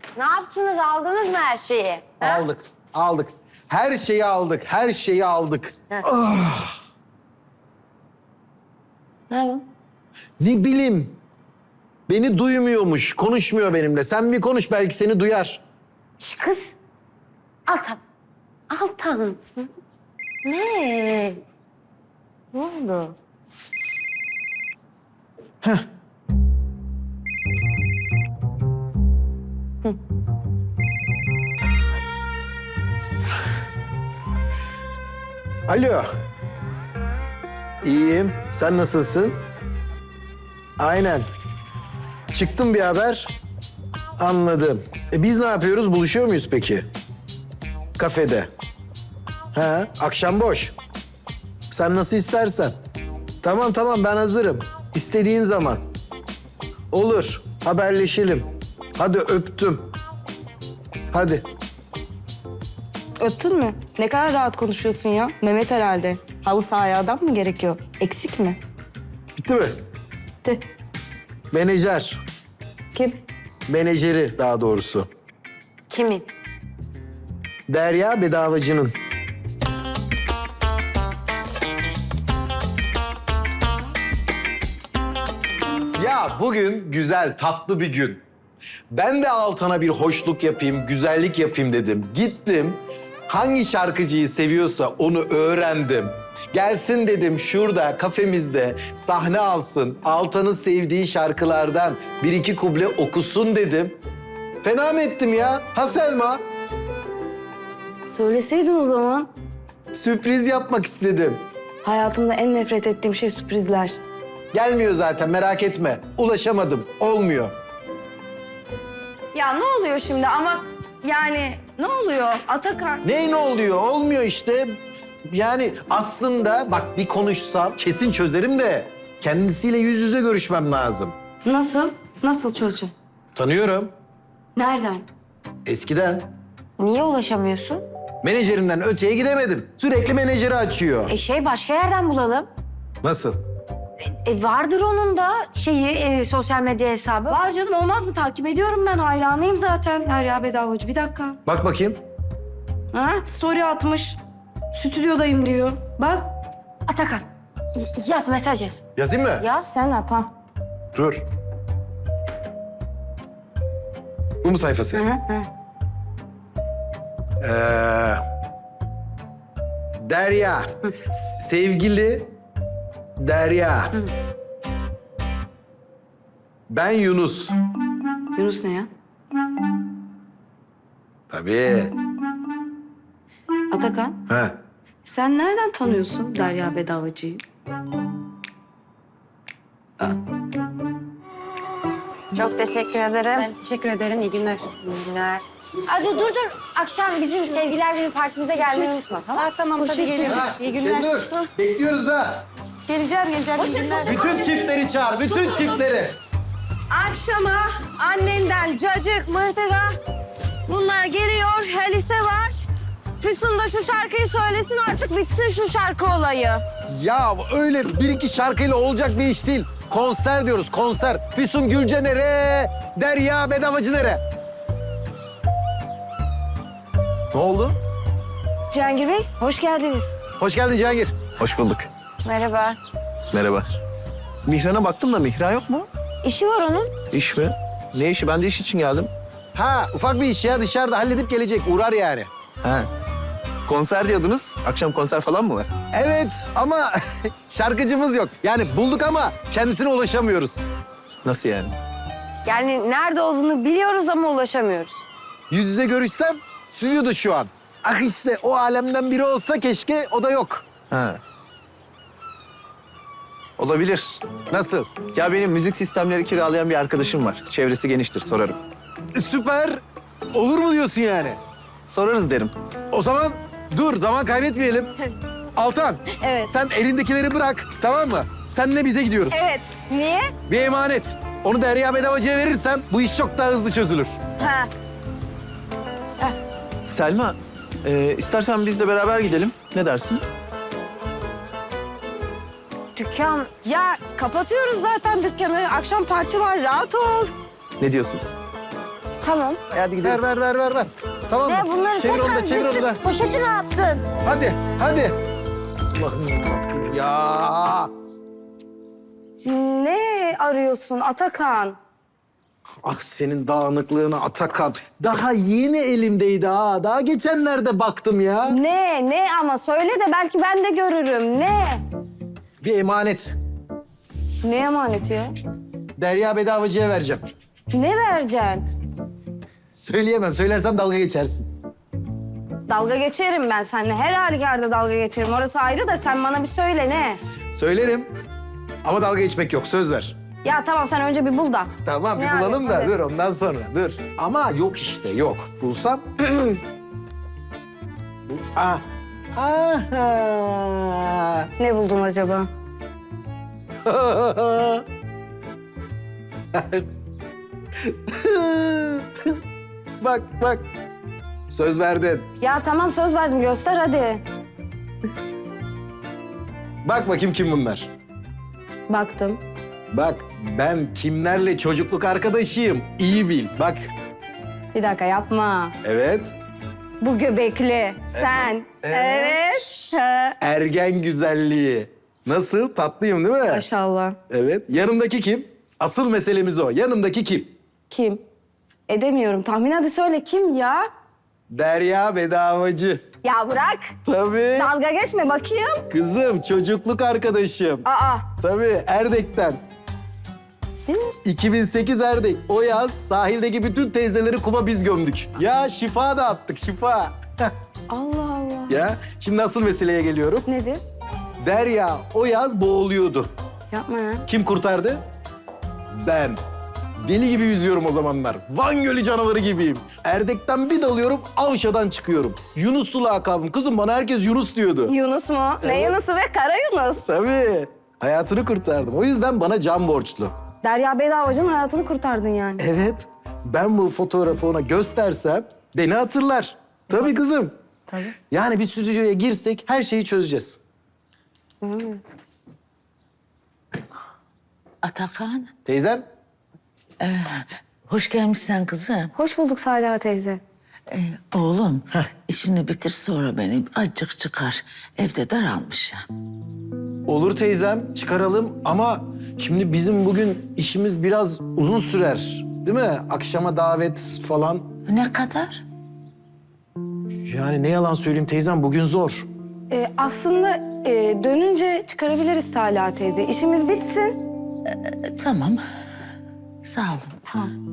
Ne yaptınız? Aldınız mı her şeyi? Ha? Aldık, aldık. Her şeyi aldık, her şeyi aldık. Ne bu? Ne bileyim. Beni duymuyormuş, konuşmuyor benimle. Sen bir konuş, belki seni duyar. Şş, kız. Altan. Altan. Ne? Ne oldu? Alo. İyiyim. Sen nasılsın? Aynen. Çıktım bir haber. Anladım. Biz ne yapıyoruz? Buluşuyor muyuz peki? Kafede. Ha, akşam boş. Sen nasıl istersen. Tamam tamam, ben hazırım. İstediğin zaman. Olur. Haberleşelim. Hadi öptüm. Hadi. Öptün mü? Ne kadar rahat konuşuyorsun ya. Mehmet herhalde. Halı sahaya adam mı gerekiyor? Eksik mi? Bitti mi? De. Menajer. Kim? Menajeri daha doğrusu. Kimin? Derya Bedavacı'nın. Ya bugün güzel, tatlı bir gün. Ben de Altan'a bir hoşluk yapayım, güzellik yapayım dedim. Gittim, hangi şarkıcıyı seviyorsa onu öğrendim. Gelsin dedim, şurada kafemizde sahne alsın, Altan'ın sevdiği şarkılardan bir iki kuble okusun dedim. Fena mı ettim ya? Ha Selma? Söyleseydin o zaman. Sürpriz yapmak istedim. Hayatımda en nefret ettiğim şey sürprizler. Gelmiyor zaten, merak etme. Ulaşamadım, olmuyor. Ya ne oluyor şimdi ama yani ne oluyor Atakan? Ne oluyor? Olmuyor işte. Yani aslında bak, bir konuşsam kesin çözerim de kendisiyle yüz yüze görüşmem lazım. Nasıl? Nasıl çözeceğim? Tanıyorum. Nereden? Eskiden. Niye ulaşamıyorsun? Menajerinden öteye gidemedim. Sürekli menajeri açıyor. Başka yerden bulalım. Nasıl? Vardır onun da sosyal medya hesabı. Var canım, olmaz mı? Takip ediyorum ben. Hayranıyım zaten. Derya Bedavacı. Bir dakika. Bak bakayım. Ha? Story atmış. Stüdyodayım diyor. Bak. Atakan. Yaz, mesaj yaz. Yazayım mı? Yaz. Sen at ha. Dur. Bu mu sayfası? Hı hı. Derya. Sevgili Derya. Ben Yunus. Yunus ne ya? Tabii. Atakan. Ha. Sen nereden tanıyorsun Derya Bedavacı'yı? Çok teşekkür ederim. Ben teşekkür ederim. İyi günler. İyi günler. Aa, dur. Akşam bizim sevgiler günü partimize gelmeyi unutma, tamam mı? Tamam tabii gelirim. İyi günler. Şenur, bekliyoruz ha. Geleceğim. İyi günler. Bütün çiftleri çağır, bütün çiftleri. Akşama annenden cacık, mırtıka bunlar geliyor. Helise var. Füsun da şu şarkıyı söylesin artık bitsin şu şarkı olayı. Ya öyle bir iki şarkıyla olacak bir iş değil. Konser diyoruz, konser. Füsun Gülce nere? Derya Bedavacı nere? Ne oldu? Cihangir Bey hoş geldiniz. Hoş geldin Cihangir. Hoş bulduk. Merhaba. Merhaba. Mihran'a baktım da Mihran yok mu? İşi var onun. İş mi? Ne işi? Ben de iş için geldim. Ha, ufak bir iş ya, dışarıda halledip gelecek, uğrar yani. Ha. Konser diyordunuz. Akşam konser falan mı var? Evet ama şarkıcımız yok. Yani bulduk ama kendisine ulaşamıyoruz. Nasıl yani? Yani nerede olduğunu biliyoruz ama ulaşamıyoruz. Yüz yüze görüşsem stüdyoda şu an. Ah işte o alemden biri olsa keşke, o da yok. Ha. Olabilir. Nasıl? Ya benim müzik sistemleri kiralayan bir arkadaşım var. Çevresi geniştir, sorarım. Süper. Olur mu diyorsun yani? Sorarız derim. O zaman dur, zaman kaybetmeyelim. Altan, Evet. sen elindekileri bırak, tamam mı? Senle bize gidiyoruz. Evet. Niye? Bir emanet. Onu Derya Bedavacı'ya verirsem bu iş çok daha hızlı çözülür. Ha. Selma, istersen biz de beraber gidelim. Ne dersin? Dükkan Ya kapatıyoruz zaten dükkanı. Akşam parti var rahat ol. Ne diyorsun? Tamam. Hadi gidelim. Ver. Tamam Ne mı? bunları Çevir tekrar onu da, çevir onu da. götür. Poşeti ne yaptın? Hadi. Allah'ım yarabbim ya. Ne arıyorsun Atakan? Ah senin dağınıklığına Atakan. Daha yeni elimdeydi ha. Daha geçenlerde baktım ya. Ne ama söyle de belki ben de görürüm. Ne? Bir emanet. Ne emaneti ya? Derya Bedavacı'ya vereceğim. Ne vereceksin? Söyleyemem. Söylersem dalga geçersin. Dalga geçerim ben seninle. Her halükarda dalga geçerim. Orası ayrı da sen bana bir söyle ne? Söylerim. Ama dalga geçmek yok. Söz ver. Ya tamam sen önce bir bul da. Tamam bir Yani, bulalım da hadi. dur ondan sonra dur. Ama yok işte yok. Bulsam. Ah. Aha. Ne buldun acaba? Bak. Söz verdin. Ya tamam söz verdim göster hadi. Bak bakayım kim bunlar. Baktım. Bak ben kimlerle çocukluk arkadaşıyım. İyi bil. Bak. Bir dakika yapma. Evet. Bu göbekli. Sen. Evet. Ha. Ergen güzelliği. Nasıl? Tatlıyım değil mi? Maşallah. Evet. Yanımdaki kim? Asıl meselemiz o. Yanımdaki kim? Kim? Edemiyorum. Tahmin hadi söyle kim ya? Derya Bedavacı. Ya bırak. Tabii. Dalga geçme bakayım. Kızım çocukluk arkadaşım. Aa. Tabii Erdek'ten. 2008 Erdek. O yaz sahildeki bütün teyzeleri kuma biz gömdük. Ya şifa da attık şifa. Allah Allah. Ya şimdi asıl meseleye geliyorum. Nedir? Derya o yaz boğuluyordu. Yapma ya. Kim kurtardı? Ben. Deli gibi yüzüyorum o zamanlar. Van Gölü canavarı gibiyim. Erdek'ten bir dalıyorum, Avşa'dan çıkıyorum. Yunuslu lakabım. Kızım bana herkes Yunus diyordu. Yunus mu? Ne Yunus'u be? Kara Yunus. Tabii. Hayatını kurtardım. O yüzden bana can borçlu. Derya Bedavacı'nın hayatını kurtardın yani. Evet. Ben bu fotoğrafı ona göstersem beni hatırlar. Tabii kızım. Tabii. Yani bir stüdyoya girsek her şeyi çözeceğiz. Atakan, Teyzem? hoş gelmişsin kızım. Hoş bulduk Salih teyze. Oğlum, işini bitir sonra beni azıcık çıkar. Evde daralmış ya. Olur teyzem, çıkaralım ama şimdi bizim bugün işimiz biraz uzun sürer. Değil mi? Akşama davet falan. Ne kadar? Yani ne yalan söyleyeyim teyzem bugün zor. Aslında dönünce çıkarabiliriz Salih teyze. İşimiz bitsin. Tamam. Sağ olun.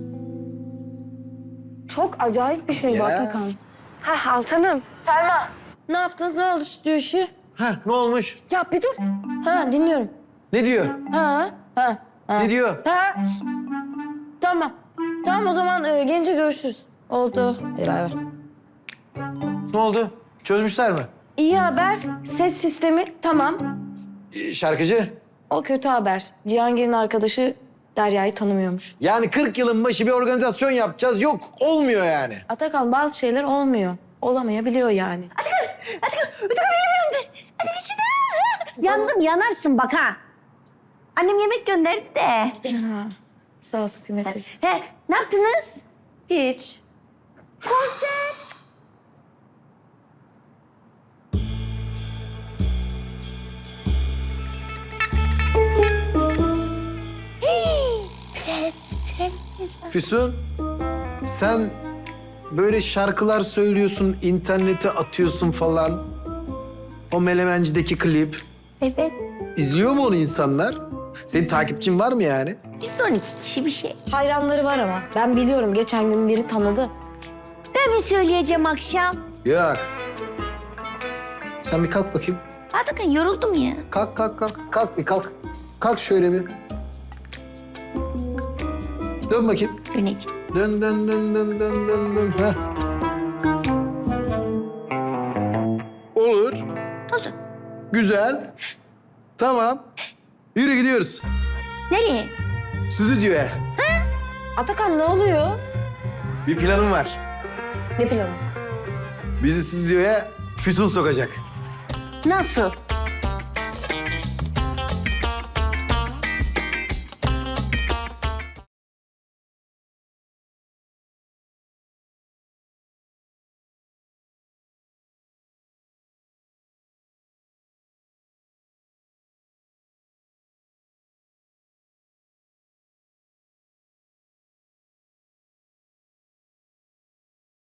Çok acayip bir şey bu Ya. Atakan. Ha Altanım. Selma. Ne yaptınız? Ne oldu stüdyo işi? Heh, ne olmuş? Ya bir dur. Ha dinliyorum. Ne diyor? Ha. Ne diyor? Ha. Tamam. Tamam o zaman gelince görüşürüz. Oldu. Dilara. Ne oldu? Çözmüşler mi? İyi haber. Ses sistemi tamam. Şarkıcı? O kötü haber. Cihangir'in arkadaşı Derya'yı tanımıyormuş. Yani 40 yılın başı bir organizasyon yapacağız. Yok, olmuyor yani. Atakan bazı şeyler olmuyor. Olamayabiliyor yani. Yandım yanarsın bak ha. Annem yemek gönderdi de. Sağ olsun Kıymet teyze. He, ne yaptınız? Hiç. Konser. Füsun, sen böyle şarkılar söylüyorsun, internete atıyorsun falan. O Melemenci'deki klip. Evet. İzliyor mu onu insanlar? Senin takipçin var mı yani? 112 kişi bir şey. Hayranları var ama. Ben biliyorum geçen gün biri tanıdı. Ben mi söyleyeceğim akşam? Yok. Sen bir kalk bakayım. Atakan yoruldum ya. Kalk. Kalk bir kalk. Kalk şöyle bir. Dön bakayım. Döneceğim. Dön. Heh. Olur. Oldu. Güzel. Tamam. Yürü gidiyoruz. Nereye? Stüdyoya. Atakan ne oluyor? Bir planım var. Ne planı? Bizi stüdyoya Füsun sokacak. Nasıl?